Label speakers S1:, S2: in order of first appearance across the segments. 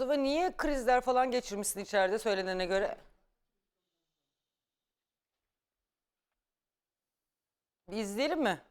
S1: Mustafa niye krizler falan geçirmişsin içeride söylenene göre? Bir izleyelim mi?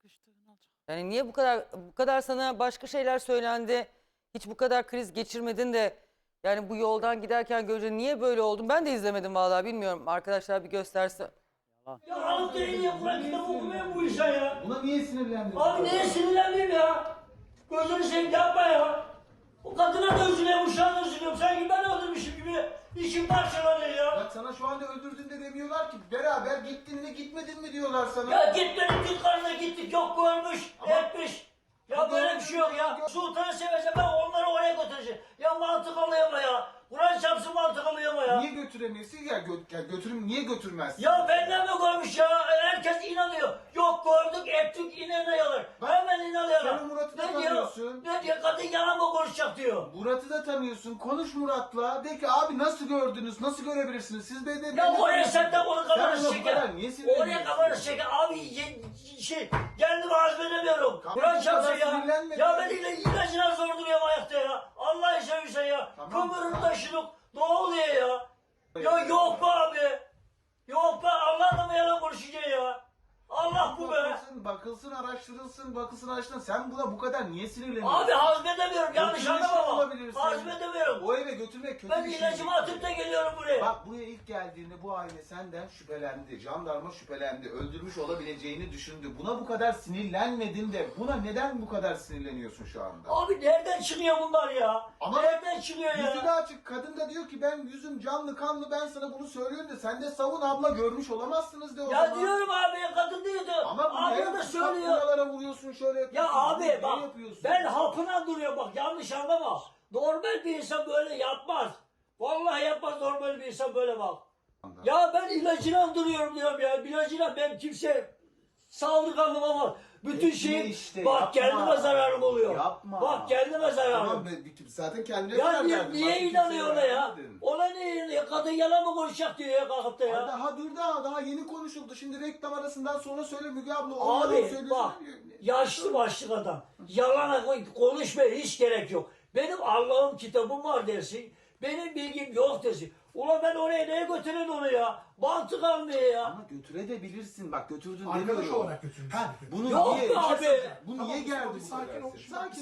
S1: Yani niye bu kadar sana başka şeyler söylendi? Hiç bu kadar kriz geçirmedin de yani bu yoldan giderken görünce niye böyle oldun? Ben de izlemedim vallahi bilmiyorum. Arkadaşlar bir gösterse.
S2: Ya alıp da eliye Kur'an kitabı okumayın bu işe ya.
S3: Buna niye sinirlendin?
S2: Abi neye sinirlenmeyeyim ya? Gözünü seveyim yapma ya. O kadına da üzülüyorum, uşağına da üzülüyorum. Sanki ben öldürmüşüm gibi içim parçalanıyor ya.
S3: Bak sana şu anda öldürdün de demiyorlar ki. Beraber gittin mi gitmedin mi diyorlar sana.
S2: Ya gitmedik dükkanına gittik, yok görmüş, etmiş. Ya böyle bir şey yok ya. Sultanı seveceğim, ben onları oraya götüreceğim. Ya mantık alıyor mu ya? Kur'an çarpsın mantık alıyor mu ya?
S3: Niye götüremiyorsun ya? Götürüm niye götürmezsin?
S2: Ya benden mi görmüş ya? Herkes inanıyor. Yok gördük, ettik, inanıyorlar. Hemen inanıyorlar.
S3: sen Murat'ı da
S2: Ne diyor?
S3: tanıyorsun.
S2: Ne diyor? Kadın yalan mı konuşacak diyor.
S3: Murat'ı da tanıyorsun. Konuş Murat'la. De ki abi nasıl gördünüz? Nasıl görebilirsiniz? Siz beni
S2: Ya oraya sen de onu kafanı
S3: Sen ona bu
S2: çeker.
S3: kadar niye sinirleniyorsun?
S2: Oraya kafanı çeker. Abi kendimi hazmedemiyorum.
S3: Tamam,
S2: Kur'an
S3: bu
S2: çarpsın
S3: kadar
S2: ya.
S3: sinirlenme
S2: Ya
S3: ya.
S2: ben ilacına zor duruyorum ayakta ya. Allah seversen ya.
S3: Tamam.
S2: Kömürün taşınık. Ne oluyor ya? Ya yok be abi. Yok be Allah'la mı yalan konuşacaksın ya? Allah bu be.
S3: Bakılsın, araştırılsın. Sen buna bu kadar niye sinirleniyorsun?
S2: Abi hazmedemiyorum. Yanlış
S3: Götürmüş
S2: anlama ama.
S3: olabilirsin.
S2: Hazmedemiyorum.
S3: O eve götürmek kötü
S2: Ben
S3: bir şey.
S2: ilacımı atıp da geliyorum buraya.
S3: Bak buraya ilk geldiğinde bu aile senden şüphelendi. Jandarma şüphelendi. Öldürmüş olabileceğini düşündü. Buna bu kadar sinirlenmedin de buna neden bu kadar sinirleniyorsun şu anda?
S2: Abi nereden çıkıyor bunlar ya?
S3: Ama
S2: nereden çıkıyor ya?
S3: Yüzü de açık. Kadın da diyor ki ben yüzüm canlı kanlı ben sana bunu söylüyorum da sen de savun abla görmüş olamazsınız de o
S2: Ya
S3: zaman.
S2: diyorum abi kadın diyordu.
S3: Ama bu
S2: Abla da
S3: ne?
S2: söylüyor.
S3: Kapılara vuruyorsun şöyle yapıyorsun.
S2: Ya abi
S3: Ne
S2: bak
S3: yapıyorsun?
S2: ben hapına duruyor bak yanlış anlama. Normal bir insan böyle yapmaz. Vallahi yapmaz normal bir insan böyle bak. Ya ben ilacına duruyorum diyorum ya. İlacına ben kimse saldırganım ama bütün
S3: Etme
S2: şey
S3: işte,
S2: bak
S3: yapma.
S2: kendime zararım oluyor.
S3: Yapma.
S2: Bak kendime zararım.
S3: Tamam zaten kendine
S2: Ya
S3: zarar
S2: niye,
S3: verdin.
S2: niye
S3: Başka
S2: inanıyor ona
S3: kimseye
S2: ya?
S3: vermedin.
S2: Ona niye inanıyor? Kadın yalan mı konuşacak diyor ya kalkıp da ya.
S3: Daha dur daha yeni konuşuldu. Şimdi reklam arasından sonra söyle Müge abla. o yalan
S2: Abi
S3: söylüyorsun.
S2: bak yaşlı başlı adam. Yalana konuşmaya hiç gerek yok. Benim Allah'ım kitabım var dersin. Benim bilgim yok dersin. Ulan ben oraya neye götürün onu ya? Mantık almıyor ya.
S3: Ama götürebilirsin. Bak götürdün
S4: Arkadaş
S3: demiyorum.
S4: olarak götürmüş.
S3: Ha, bunu
S2: Yok
S3: niye?
S2: be abi.
S3: Bu
S4: Tamam,
S3: niye geldi
S4: tamam,
S3: bu
S4: sakin
S3: kadar?
S4: ol.
S3: Sakin.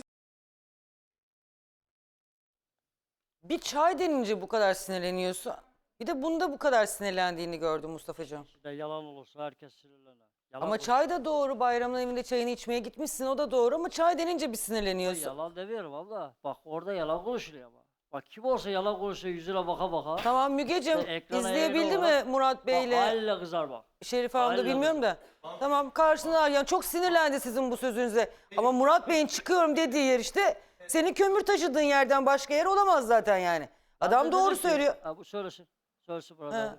S1: Bir çay denince bu kadar sinirleniyorsun. Bir de bunda bu kadar sinirlendiğini gördüm Mustafa'cığım.
S5: İşte yalan olursa herkes sinirlenir. Yalan
S1: Ama
S5: olursa-
S1: çay da doğru. Bayramın evinde çayını içmeye gitmişsin. O da doğru ama çay denince bir sinirleniyorsun.
S5: Yalan demiyorum abla. Bak orada yalan konuşuluyor ama. Bak kim olsa yalan konuşuyor yüzüne baka baka.
S1: Tamam Mügeciğim
S5: İşte ekrana
S1: izleyebildi
S5: yayın
S1: mi
S5: olarak-
S1: Murat
S5: Bak
S1: Bey'le
S5: haliyle kızar bak.
S1: Şerife Hanım da
S5: Aynen.
S1: bilmiyorum da. Tamam karşına yani çok sinirlendi sizin bu sözünüze. Ama Murat Bey'in çıkıyorum dediği yer işte senin kömür taşıdığın yerden başka yer olamaz zaten yani. Adam
S5: Ben de
S1: doğru
S5: dedim ki-
S1: söylüyor.
S5: Ha, bu söylesin. Söylesin burada.
S1: He.
S5: abi.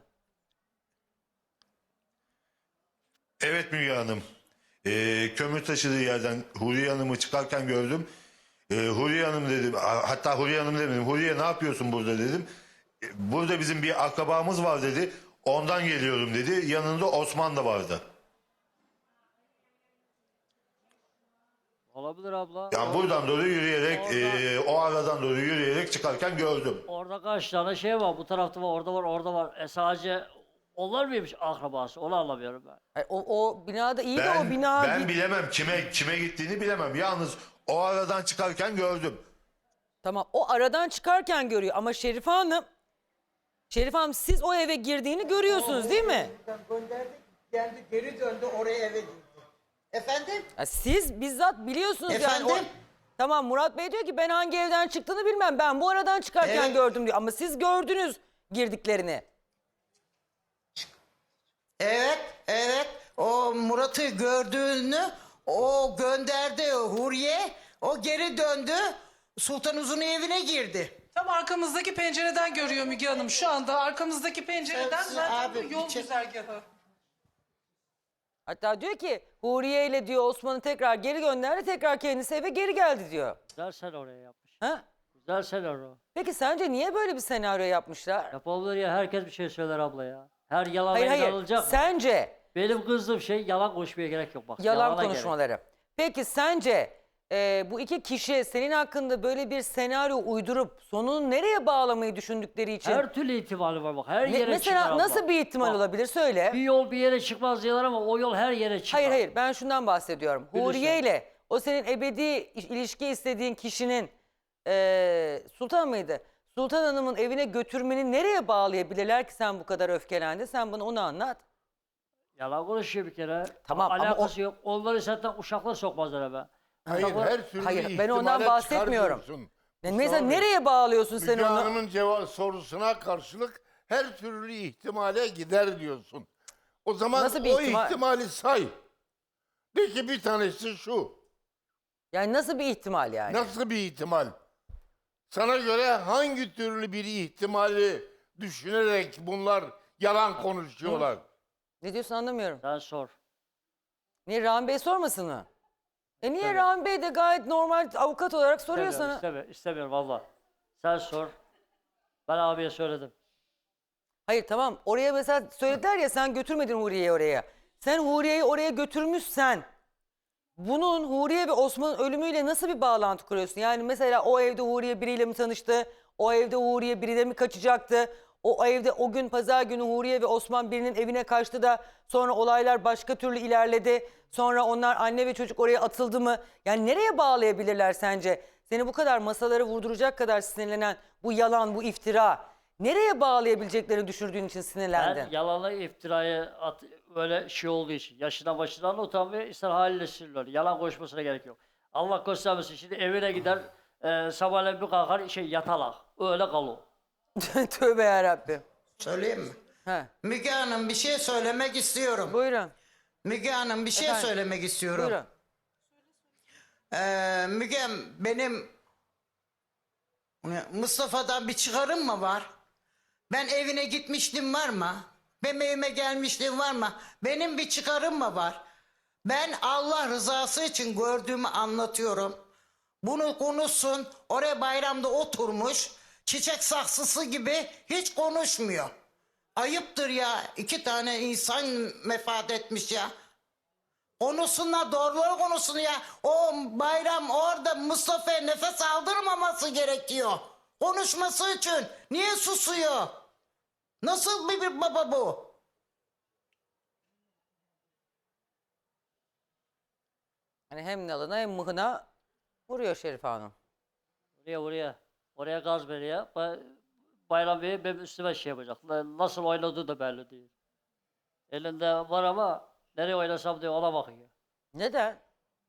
S6: Evet Müge Hanım. Kömür taşıdığı yerden Huriye Hanım'ı çıkarken gördüm. Huriye Hanım dedim. Hatta Huriye Hanım demedim. Huriye ne yapıyorsun burada dedim. Burada bizim bir akrabamız var dedi. Ondan geliyorum dedi. Yanında Osman da vardı.
S5: Olabilir abla.
S6: Yani buradan doğru yürüyerek, o aradan doğru yürüyerek çıkarken gördüm.
S5: Orada kaç tane şey var. Bu tarafta var, orada var, orada var. Sadece onlar mıymış akrabası? Onu anlamıyorum ben.
S1: Ay, o binada iyi de o bina...
S6: Ben bilemem kime gittiğini bilemem. Yalnız o aradan çıkarken gördüm.
S1: Tamam o aradan çıkarken görüyor ama Şerife Hanım siz o eve girdiğini görüyorsunuz değil mi?
S7: Gönderdik, geldi geri döndü oraya eve girdi. Efendim?
S1: Ya siz bizzat biliyorsunuz
S7: Efendim?
S1: yani. Tamam Murat Bey diyor ki ben hangi evden çıktığını bilmem. Ben bu aradan çıkarken
S7: Evet.
S1: gördüm diyor. Ama siz gördünüz girdiklerini.
S7: Evet. O Murat'ı gördüğünü o gönderdi Huriye. O geri döndü. Sultan Uzun'un evine girdi.
S8: Tam arkamızdaki pencereden görüyor Müge Hanım. Şu anda arkamızdaki pencereden
S7: Sen-
S8: zaten
S7: abi,
S8: bu yol
S7: bir çek-
S8: güzergahı.
S1: Hatta diyor ki Huriye ile diyor Osman'ı tekrar geri gönderdi. Tekrar kendisi eve geri geldi diyor.
S5: Güzel senaryo yapmış.
S1: Ha?
S5: Güzel senaryo.
S1: Peki sence niye böyle bir senaryo yapmışlar?
S5: Yapabilir ya. Herkes bir şey söyler abla ya. Her yalana
S1: Hayır
S5: inanılacak mı?
S1: Sence
S5: Benim kızdığım şey yalan konuşmaya gerek yok bak.
S1: yalan
S5: Yalana
S1: konuşmaları. Peki sence bu iki kişi senin hakkında böyle bir senaryo uydurup sonunu nereye bağlamayı düşündükleri için...
S5: Her türlü ihtimali var bak. Her
S1: Ne-
S5: yere
S1: mesela
S5: çıkar
S1: nasıl
S5: abla.
S1: bir ihtimal
S5: Bak,
S1: olabilir söyle.
S5: Bir yol bir yere çıkmaz diyorlar ama o yol her yere çıkar.
S1: Hayır hayır ben şundan bahsediyorum.
S5: Bilirsin.
S1: Huriye ile o senin ebedi ilişki istediğin kişinin Sultan mıydı? Sultan Hanım'ın evine götürmeni nereye bağlayabilirler ki sen bu kadar öfkelendin? Sen bana onu anlat.
S5: Yalan konuşuyor bir kere.
S1: Tamam, ama
S5: Alakası yok. Onları zaten uşaklar sokmazlar eve.
S4: Hayır,
S5: Uşaklar-
S4: her türlü
S1: Hayır, ben ondan
S4: ihtimale
S1: bahsetmiyorum.
S4: çıkartıyorsun.
S1: Mesela
S4: Mustafa Bey,
S1: nereye bağlıyorsun sen
S4: Müge
S1: onu?
S4: Hanım'ın sorusuna karşılık her türlü ihtimale gider diyorsun. O zaman
S1: Nasıl bir
S4: o
S1: ihtimal?
S4: ihtimali say. De ki bir tanesi şu.
S1: Yani nasıl bir ihtimal yani?
S4: Nasıl bir ihtimal? Sana göre hangi türlü bir ihtimali düşünerek bunlar yalan konuşuyorlar?
S1: Ne diyorsun anlamıyorum.
S5: Sen sor.
S1: Niye Rahmi Bey sormasın mı? Niye Rahmi Bey de gayet normal avukat olarak soruyor
S5: İstemiyorum,
S1: sana?
S5: istemiyorum valla. Sen sor. Ben abiye söyledim.
S1: Hayır tamam oraya mesela söylediler ya sen götürmedin Huriye'yi oraya. Sen Huriye'yi oraya götürmüşsen bunun Huriye ve Osman'ın ölümüyle nasıl bir bağlantı kuruyorsun? Yani mesela o evde Huriye biriyle mi tanıştı? O evde Huriye biriyle mi kaçacaktı? O evde o gün pazar günü Huriye ve Osman birinin evine kaçtı da sonra olaylar başka türlü ilerledi. Sonra onlar anne ve çocuk oraya atıldı mı? Yani nereye bağlayabilirler sence? Seni bu kadar masalara vurduracak kadar sinirlenen bu yalan, bu iftira. Nereye bağlayabileceklerini düşürdüğün için sinirlendin?
S5: Ben yalanla iftirayı öyle şey olduğu için. Yaşından başından utanmıyor. İster haliyle sinirler. Yalan konuşmasına gerek yok. Allah göstermesin. Şimdi evine gider. Sabahleyin bir kalkar yatalak. Öyle kalır.
S1: Tövbe yarabbim.
S7: Söyleyeyim mi?
S1: He,
S7: Müge Hanım bir şey söylemek istiyorum.
S1: buyurun.
S7: Müge Hanım bir şey
S1: Efendim?
S7: söylemek istiyorum.
S1: Buyurun.
S7: Mügem benim Mustafa'dan bir çıkarım mı var? Ben evine gitmiştim var mı? Benim evime gelmiştim var mı? Benim bir çıkarım mı var? Ben Allah rızası için gördüğümü anlatıyorum. Bunu konuşsun. Oraya bayramda oturmuş. Çiçek saksısı gibi hiç konuşmuyor. Ayıptır ya. 2 tane insan vefat etmiş ya. Konuşsunlar doğruları konuşsun ya. O bayram orada Mustafa'ya nefes aldırmaması gerekiyor. Konuşması için. Niye susuyor? Nasıl bir baba bu?
S1: Hani hem nalına hem mıhına vuruyor Şerife Hanım.
S5: Oraya. Oraya gaz veriyor. Bayram Bey benim üstüme şey yapacak. Nasıl oynadığı da belli değil. Elinde var ama nereye oynasam diye ona bakıyor.
S1: Neden?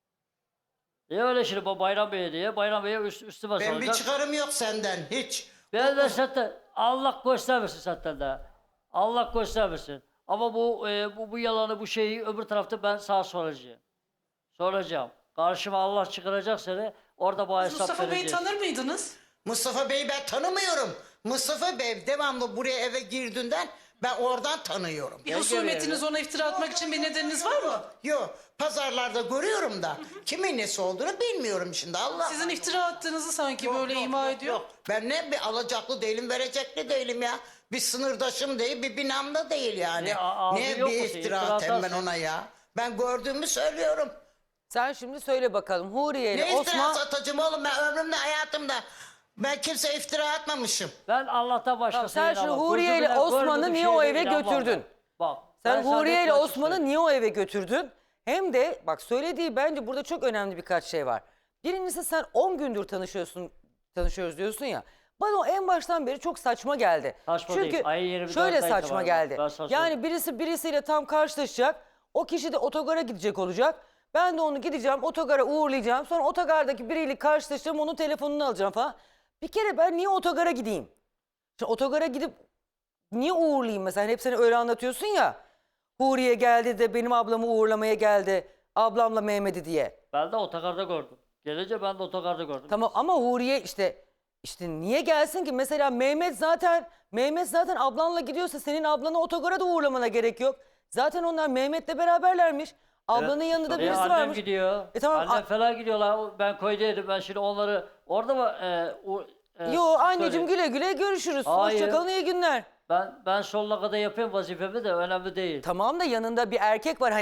S5: Niye öyle şimdi bu Bayram Bey diye? Bayram Bey'e üstüme
S7: Ben bir
S5: salacak.
S7: çıkarım yok senden hiç.
S5: Ben de zaten Allah göstermesin zaten de. Allah göstermesin. Ama bu yalanı bu şeyi öbür tarafta ben sana soracağım. Soracağım. Karşıma Allah çıkaracak seni. Orada bu hesap
S8: Mustafa Bey'i
S5: vereceğiz.
S8: tanır mıydınız?
S7: Mustafa Bey'i ben tanımıyorum. Mustafa Bey devamlı buraya eve girdiğinden ben oradan tanıyorum.
S8: Bir husumetiniz ona iftira atmak için bir nedeniniz var mı?
S7: Yok pazarlarda görüyorum da kimin nesi olduğunu bilmiyorum şimdi Allah.
S8: Sizin iftira attığınızı sanki böyle ima ediyor.
S7: Ben ne bir alacaklı değilim verecekli değilim ya. Bir sınırdaşım değil bir binamda değil yani.
S5: Ne, abi
S7: Ne
S5: yok
S7: bir
S5: mu?
S7: iftira
S5: İftira
S7: atayım ben
S5: atarsın.
S7: ona ya. Ben gördüğümü söylüyorum.
S1: Sen şimdi söyle bakalım Huriye ile
S7: Ne iftira
S1: Osman...
S7: atacağım oğlum ben ömrümde hayatımda. Ben kimseye iftira atmamışım.
S5: Ben Allah'tan başkasına
S1: Tamam, sen şu
S5: inanmam.
S1: Huriye ile
S5: Gözümle
S1: Osman'ı
S5: gördüğüm
S1: niye o
S5: şeylere
S1: eve
S5: inanmam
S1: götürdün?
S5: ben. Bak.
S1: Sen
S5: ben sana
S1: Huriye ile
S5: net açık
S1: Osman'ı
S5: söyleyeyim.
S1: niye o eve götürdün? Hem de bak söylediği bence burada çok önemli birkaç şey var. Birincisi sen 10 gündür tanışıyoruz diyorsun ya. Bana o en baştan beri çok saçma geldi.
S5: Saçma
S1: Çünkü
S5: değil. Ayın 24'ünde
S1: şöyle saçma
S5: itibaren
S1: geldi.
S5: ben sana
S1: Yani birisiyle tam karşılaşacak. O kişi de otogara gidecek olacak. Ben de onu gideceğim otogara uğurlayacağım. Sonra otogardaki biriyle karşılaşacağım onun telefonunu alacağım falan. Bir kere ben niye otogara gideyim? Şimdi otogara gidip niye uğurlayayım mesela? Hani hep seni öyle anlatıyorsun ya. Huriye geldi de benim ablamı uğurlamaya geldi. Ablamla Mehmet'i diye.
S5: Ben de otogarda gördüm. Gelince ben de otogarda gördüm.
S1: Tamam ama Huriye işte niye gelsin ki? Mesela Mehmet zaten ablanla gidiyorsa senin ablanı otogara da uğurlamana gerek yok. Zaten onlar Mehmet'le beraberlermiş. Ablanın yanında da birisi
S5: annem
S1: varmış.
S5: gidiyor.
S1: Tamam,
S5: Annem falan gidiyorlar. Ben koydaydım. Ben şimdi onları orada mı?
S1: Yo anneciğim güle güle görüşürüz.
S5: Hayır.
S1: Hoşçakalın iyi günler.
S5: Ben sonuna kadar yapayım vazifemi de önemli değil.
S1: Tamam da yanında bir erkek var hani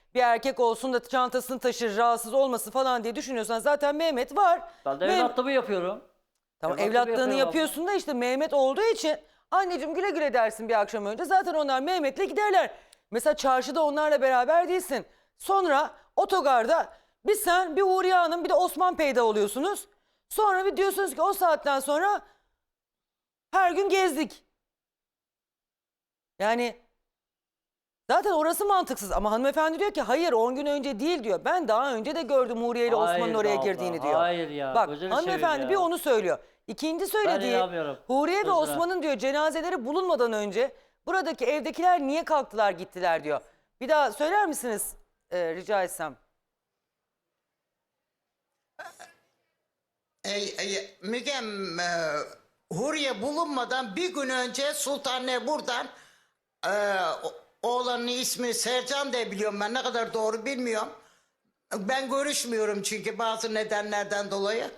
S1: bir erkek olsun da çantasını taşır, rahatsız olmasın falan diye düşünüyorsan zaten Mehmet var.
S5: Ben de
S1: Meh-
S5: evlatlığımı yapıyorum.
S1: Tamam
S5: Evlatlığımı
S1: evlatlığını
S5: yapıyorum
S1: yapıyorsun da işte Mehmet olduğu için anneciğim güle güle dersin bir akşam önce. Zaten onlar Mehmet'le giderler. Mesela çarşıda onlarla beraber değilsin. Sonra otogarda bir sen, bir Huriye Hanım, bir de Osman peyda oluyorsunuz. Sonra bir diyorsunuz ki o saatten sonra her gün gezdik. Yani zaten orası mantıksız ama hanımefendi diyor ki hayır 10 gün önce değil diyor. Ben daha önce de gördüm Huriye ile
S5: Hayır
S1: Osman'ın
S5: be
S1: oraya
S5: abla,
S1: girdiğini diyor.
S5: hayır ya,
S1: Bak
S5: gözünü
S1: hanımefendi
S5: seveyim
S1: bir
S5: ya.
S1: onu söylüyor. İkinci söylediği
S5: inanmıyorum.
S1: Huriye ve
S5: Gözüne.
S1: Osman'ın diyor cenazeleri bulunmadan önce buradaki evdekiler niye kalktılar gittiler diyor. Bir daha söyler misiniz rica etsem?
S7: Mügem, Huriye bulunmadan bir gün önce Sultanne buradan oğlanın ismi Sercan diye biliyorum ben, ne kadar doğru bilmiyorum. Ben görüşmüyorum çünkü bazı nedenlerden dolayı.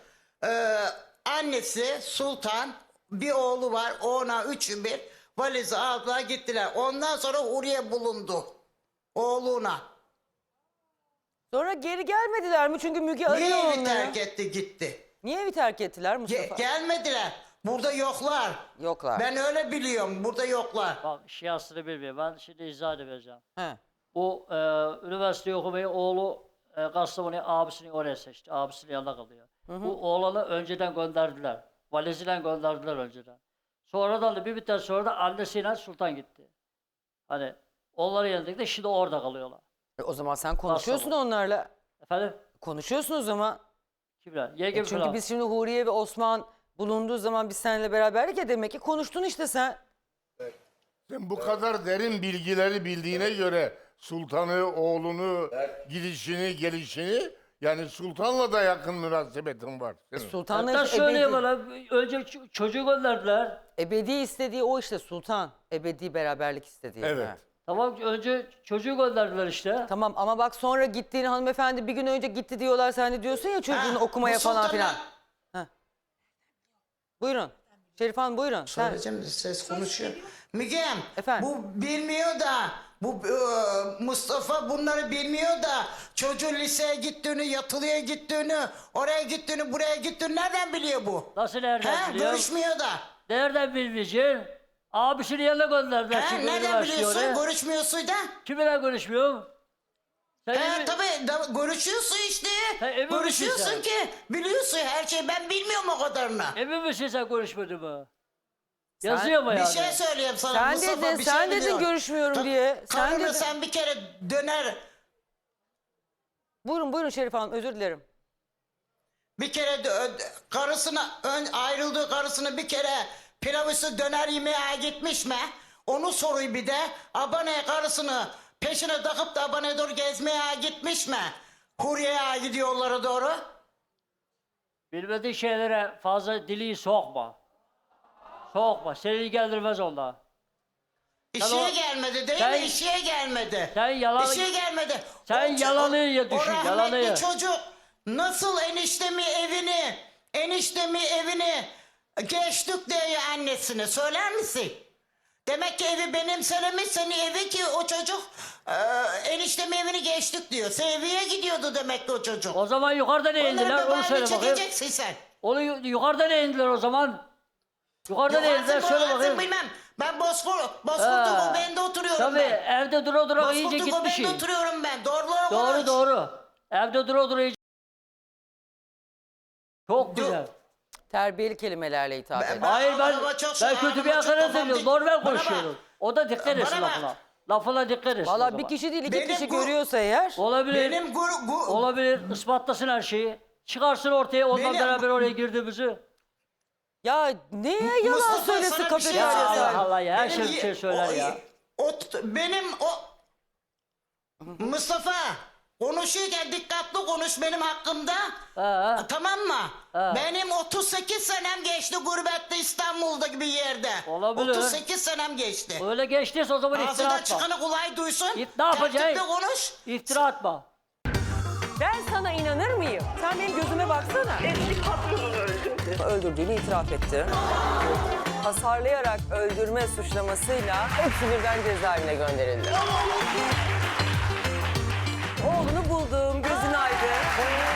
S7: Annesi Sultan, bir oğlu var, ona üçü bir valizi aldılar gittiler. Ondan sonra Huriye bulundu oğluna.
S1: Sonra geri gelmediler mi? Çünkü Müge arıyor
S7: Niye evi
S1: onları.
S7: terk etti gitti?
S1: Niye evi terk ettiler Mustafa?
S7: Gelmediler. Burada yoklar.
S1: Yoklar.
S7: Ben öyle biliyorum. Burada yoklar.
S5: Bak şiasını bilmiyorum. Ben şimdi izah edeceğim.
S1: He.
S5: Bu üniversite okumayı oğlu Kastamonu abisini oraya seçti. Abisinin yanında kalıyor. Bu oğlanı önceden gönderdiler. Valiziyle gönderdiler önceden. Sonradan da bir müddet sonra da annesiyle Sultan gitti. Hani onları yendik de şimdi orada kalıyorlar.
S1: O zaman sen konuşuyorsun
S5: Kastamonu.
S1: onlarla.
S5: Efendim?
S1: Konuşuyorsun o zaman.
S5: Kimler? Yengem
S1: Çünkü
S5: falan.
S1: biz şimdi Huriye ve Osman bulunduğu zaman biz seninle beraberdik ya demek ki konuştun işte sen.
S4: Sen bu kadar derin bilgileri bildiğine göre sultanı, oğlunu, gidişini, gelişini yani sultanla da yakın münasebetin var. senin.
S1: Sultanla
S5: Hatta
S1: işte
S5: söyleyeyim bana. Önce çocuğu gönderdiler.
S1: ebedi istediği o işte sultan. Ebedi beraberlik istediği.
S4: Evet.
S1: Ha.
S5: Tamam önce çocuğu gönderdiler işte.
S1: Tamam ama bak sonra gittiğini hanımefendi bir gün önce gitti diyorlar. Sen de diyorsun ya çocuğunu okumaya
S7: bu
S1: falan
S7: sultana-
S1: filan. Buyurun. Şerif Hanım buyurun. Sen...
S7: Söyleyeceğim, ses konuşuyor. Mügem,
S1: Efendim?
S7: bu bilmiyor da, bu Mustafa bunları bilmiyor da çocuğun liseye gittiğini, yatılıya gittiğini, oraya gittiğini, buraya gittiğini nereden biliyor bu?
S5: Nasıl nereden
S7: He,
S5: biliyor?
S7: görüşmüyor da.
S5: Nereden bilmeyeceksin? Abisinin yanına gönderdiler.
S7: He,
S5: şimdi
S7: nereden
S5: üniversiteye
S7: biliyorsun?
S5: oraya.
S7: Görüşmüyorsun da.
S5: Kiminle görüşmüyorum? Sen
S7: He
S5: emin-
S7: tabii görüşüyorsun işte.
S5: emin misin
S7: Görüşüyorsun
S5: sen?
S7: ki biliyorsun her şeyi, ben bilmiyorum o kadarını.
S5: Emin misin sen görüşmedin mi? Yazıyor mu
S7: Bir
S5: yani?
S7: şey söyleyeyim sana
S1: Sen
S7: Mustafa,
S1: dedin,
S7: bir
S1: sen
S7: şey
S1: dedin
S7: biliyorum.
S1: görüşmüyorum diye. Sen
S7: Karını
S1: dedin.
S7: sen bir kere döner,
S1: Buyurun Şerif Hanım özür dilerim.
S7: bir kere karısına ayrıldığı karısını bir kere pilav üstü döner yemeğe gitmiş mi? Onu soruyor bir de. Abone karısını peşine takıp da abone doğru gezmeye gitmiş mi? Huriye'ye gidiyorlara doğru.
S5: Bilmediğin şeylere fazla dili sokma. Sokma. Seni ilgilendirmez onlar.
S7: İşe
S5: Sen o-
S7: gelmedi değil
S5: sen-
S7: mi? İşe gelmedi.
S5: Sen yalan...
S7: İşe gelmedi.
S5: Sen yalanı ya düşün,
S7: O rahmetli
S5: yalanı ya.
S7: çocuk nasıl eniştemi evini geçtik diye annesine söyler misin? Demek ki evi benimsememiş seni evi ki o çocuk eniştemi evini geçtik diyor. Seviye gidiyordu demek ki o çocuk.
S5: O zaman yukarıda ne indiler?
S7: Onları
S5: Onu söyle
S7: bebeğini
S5: bakayım.
S7: çekeceksin sen.
S5: Onu yukarıda ne indiler o zaman? Yukarıda ne indiler?
S7: Yukarısı
S5: Söyle
S7: boğazın
S5: bakayım.
S7: bilmem. Ben Bozkurt'un
S5: Ha.
S7: göbeğinde oturuyorum
S5: Tabii
S7: ben.
S5: evde dura dura iyice
S7: Bozkurt'un
S5: gitmişsin.
S7: göbeğinde oturuyorum ben. Doğruları
S5: Doğru
S7: konuş.
S5: doğru. Evde dura dura iyice... Çok güzel.
S1: Terbiyeli kelimelerle hitap
S7: Ben-
S1: et.
S5: Hayır ben
S7: Araba çok
S5: ben
S7: şey,
S5: kötü bir
S7: araba çok
S5: hakaret
S7: babam
S5: ediyorum.
S7: dik-
S5: Normal
S7: Bana
S5: konuşuyorum.
S7: bak.
S5: O da dikkat etsin
S7: Bana bak.
S5: lafına. Lafına dikkat etsin o
S1: Valla
S5: zaman.
S1: bir kişi değil iki
S7: Benim
S1: kişi
S7: bu-
S1: görüyorsa eğer.
S5: Olabilir.
S7: Benim
S5: Olabilir. Ispatlasın her şeyi. Çıkarsın ortaya ondan
S7: Benim-
S5: beraber oraya girdiğimizi.
S1: Ya neye yalan
S7: Mustafa,
S1: söylesin
S7: sana bir şey
S1: kafeteryada?
S7: söyleyeyim.
S5: Allah Allah ya, her
S7: Benim
S5: şey bir şey söyler ya.
S7: Mustafa konuşurken dikkatli konuş benim hakkımda.
S5: Ha.
S7: Tamam mı?
S5: Ha.
S7: Benim 38 senem geçti gurbette İstanbul'da gibi yerde.
S5: Olabilir.
S7: 38 senem geçti.
S5: Öyle geçtiyse o zaman iftira
S7: Ağzından
S5: atma.
S7: çıkanı kolay duysun.
S5: Ne yapacaksın?
S7: Tertipli konuş.
S5: İftira atma.
S1: Ben sana inanır mıyım? Sen benim gözüme baksana.
S9: Eski patronunu öldürdü.
S1: Öldürdüğünü itiraf etti. Hasarlayarak öldürme suçlamasıyla hepsi birden cezaevine gönderildi. Oğlunu buldum. Gözün aydın.